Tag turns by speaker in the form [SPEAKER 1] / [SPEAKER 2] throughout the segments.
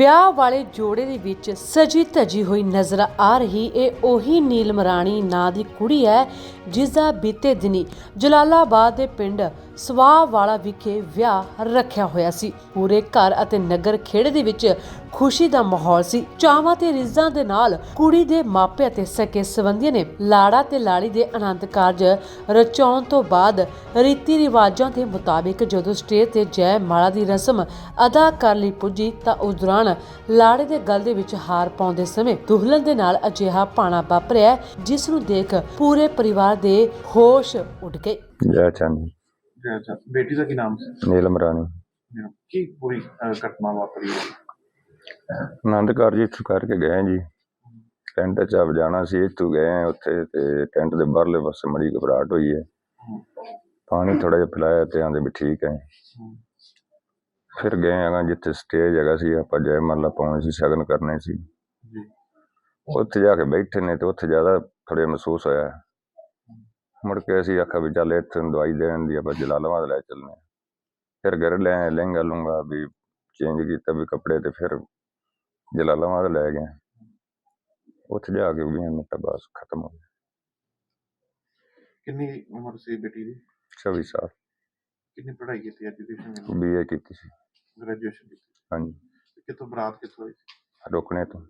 [SPEAKER 1] ਵਿਆਹ ਵਾਲੇ ਜੋੜੇ ਦੇ ਵਿੱਚ ਸਜੀ ਧਜੀ ਹੋਈ ਨਜ਼ਰ ਆ ਰਹੀ ਇਹ ਉਹੀ ਨੀਲਮ ਰਾਣੀ ਨਾਂ ਦੀ ਕੁੜੀ ਹੈ ਜਿਸ ਦਾ ਬੀਤੇ ਦਿਨੀ ਜਲਾਲਾਬਾਦ ਦੇ ਪਿੰਡ ਸਵਾਹ ਵਾਲਾ ਵਿਖੇ ਵਿਆਹ ਰੱਖਿਆ ਹੋਇਆ ਸੀ। ਪੂਰੇ ਘਰ ਅਤੇ ਨਗਰ ਖੇੜੇ ਦੇ ਵਿੱਚ ਖੁਸ਼ੀ ਦਾ ਮਾਹੌਲ ਸੀ। ਚਾਵਾਂ ਤੇ ਰਿਜ਼ਾਂ ਦੇ ਨਾਲ ਕੁੜੀ ਦੇ ਮਾਪੇ ਅਤੇ ਸਕੇ ਸੰਬੰਧੀਆਂ ਨੇ ਲਾੜਾ ਤੇ ਲਾੜੀ ਦੇ ਆਨੰਦ ਕਾਰਜ ਰਚਾਉਣ ਤੋਂ ਬਾਅਦ ਰੀਤੀ ਰਿਵਾਜਾਂ ਦੇ ਮੁਤਾਬਿਕ ਜਦੋਂ ਸਟੇਜ ਤੇ ਜੈ ਮਾਲਾ ਦੀ ਰਸਮ ਅਦਾ ਕਰ ਲਈ ਪੁੱਜੀ ਤਾਂ ਉਸ ਦੌਰਾਨ ਲਾੜੇ ਦੇ ਗਲ ਦੇ ਵਿੱਚ ਹਾਰ ਪਾਉਂਦੇ ਸਮੇਂ ਦੁਲਹਨ ਦੇ ਨਾਲ ਅਜਿਹਾ ਭਾਣਾ ਵਾਪਰਿਆ ਜਿਸ ਨੂੰ ਦੇਖ ਪੂਰੇ ਪਰਿਵਾਰ ਦੇ ਹੋਸ਼ ਉੱਡ ਗਏ।
[SPEAKER 2] ਜੈ ਚੰਦ
[SPEAKER 3] बेटी का की नाम से
[SPEAKER 2] नीलम रानी
[SPEAKER 3] की पूरी घटना वापरी है।
[SPEAKER 2] आनंद कारज इत्थों करके गए जी। टेंट च अब जाना सी, इत्थों गए उत्थे ते टेंट दे बाहरले पासे बड़ी घबराहट हुई है। पानी थोड़ा जिहा पिलाया ते आंदे भी ठीक है। फिर गए अगर जिथे स्टेज हैगा सी आपां जय माला पाउणी सी, शगन करने सी, उत्थे जाके बैठे ने ते उत्थे ज़्यादा थोड़ा महसूस होया। मुड़ के असीं आखा भी चल इत्थे दवाई देन दी आपां जलालाबाद लै चलने। फिर घर लै लहंगा लुंगा भी चेंज किया भी कपड़े ते फिर जलालाबाद लै गए। उत्थे जाके 20 मिनट बाद खत्म हो गया।
[SPEAKER 3] कितनी उम्र सी बेटी दी?
[SPEAKER 2] 26 साल।
[SPEAKER 3] कितनी पढ़ाई की थी? एजुकेशन
[SPEAKER 2] BA की सी।
[SPEAKER 3] ग्रेजुएशन की?
[SPEAKER 2] हाँ जी।
[SPEAKER 3] कितों बरात कितों हुई?
[SPEAKER 2] रुकने तो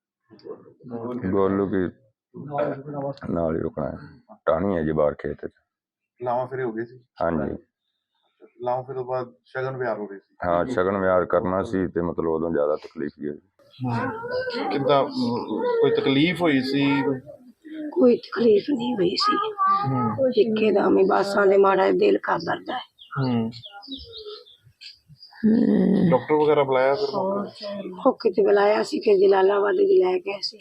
[SPEAKER 2] गोलू की नाल ही रुकना है। टाणी है जी बाहर खेत।
[SPEAKER 3] लावा फिर हो गई सी?
[SPEAKER 2] हाँ जी।
[SPEAKER 3] लावा फिर तो बाद शगन ब्याह हो गई सी?
[SPEAKER 2] हाँ शगन ब्याह करना सी ते मतलब उदों ज़्यादा तकलीफ ही
[SPEAKER 3] कितना कोई तकलीफ हुई सी?
[SPEAKER 4] कोई तकलीफ नहीं हुई सी। एकदम ही बस आने माड़ा दिल कर दर्द है।
[SPEAKER 3] डॉक्टर वगैरह बुलाया फिर?
[SPEAKER 4] होके ते बुलाया सी, फिर जलालाबाद लै गए सी।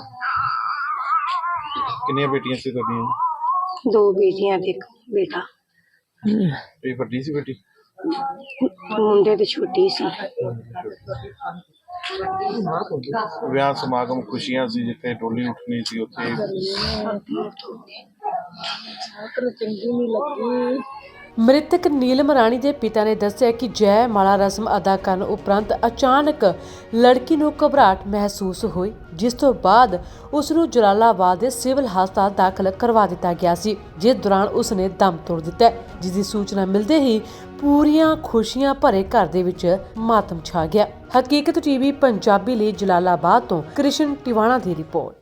[SPEAKER 3] कितनी बेटियां सी तुहाडियां?
[SPEAKER 4] 2 बेटियां ते एक बेटा।
[SPEAKER 3] ये बड़ी सी बेटी?
[SPEAKER 4] मुंडे ते छोटी सी।
[SPEAKER 3] ਵਿਆਹ ਸਮਾਗਮ ਖੁਸ਼ੀਆਂ ਸੀ ਜਿੱਥੇ ਟੋਲੀ ਉੱਠਣੀ ਸੀ ਉੱਥੇ
[SPEAKER 4] चंगी नहीं लगी।
[SPEAKER 1] ਮ੍ਰਿਤਕ ਨੀਲਮ ਰਾਣੀ ਦੇ ਪਿਤਾ ਨੇ ਦੱਸਿਆ ਕਿ ਜੈ ਮਾਲਾ ਰਸਮ ਅਦਾ ਕਰਨ ਉਪਰੰਤ ਅਚਾਨਕ ਲੜਕੀ ਨੂੰ ਘਬਰਾਹਟ ਮਹਿਸੂਸ ਹੋਈ ਜਿਸ ਤੋਂ ਬਾਅਦ ਉਸ ਨੂੰ ਜਲਾਲਾਬਾਦ ਦੇ ਸਿਵਲ ਹਸਪਤਾਲ ਦਾਖਲ ਕਰਵਾ ਦਿੱਤਾ ਗਿਆ ਸੀ ਜਿਸ ਦੌਰਾਨ ਉਸ ਨੇ ਦਮ ਤੋੜ ਦਿੱਤਾ ਜਿਸ ਦੀ ਸੂਚਨਾ ਮਿਲਦੇ ਹੀ ਪੂਰੀਆਂ ਖੁਸ਼ੀਆਂ ਭਰੇ ਘਰ ਦੇ ਵਿੱਚ ਮਾਤਮ ਛਾ ਗਿਆ। ਹਕੀਕਤ TV ਪੰਜਾਬੀ ਲਈ ਜਲਾਲਾਬਾਦ ਤੋਂ ਕ੍ਰਿਸ਼ਨ ਟਿਵਾਣਾ ਦੀ ਰਿਪੋਰਟ।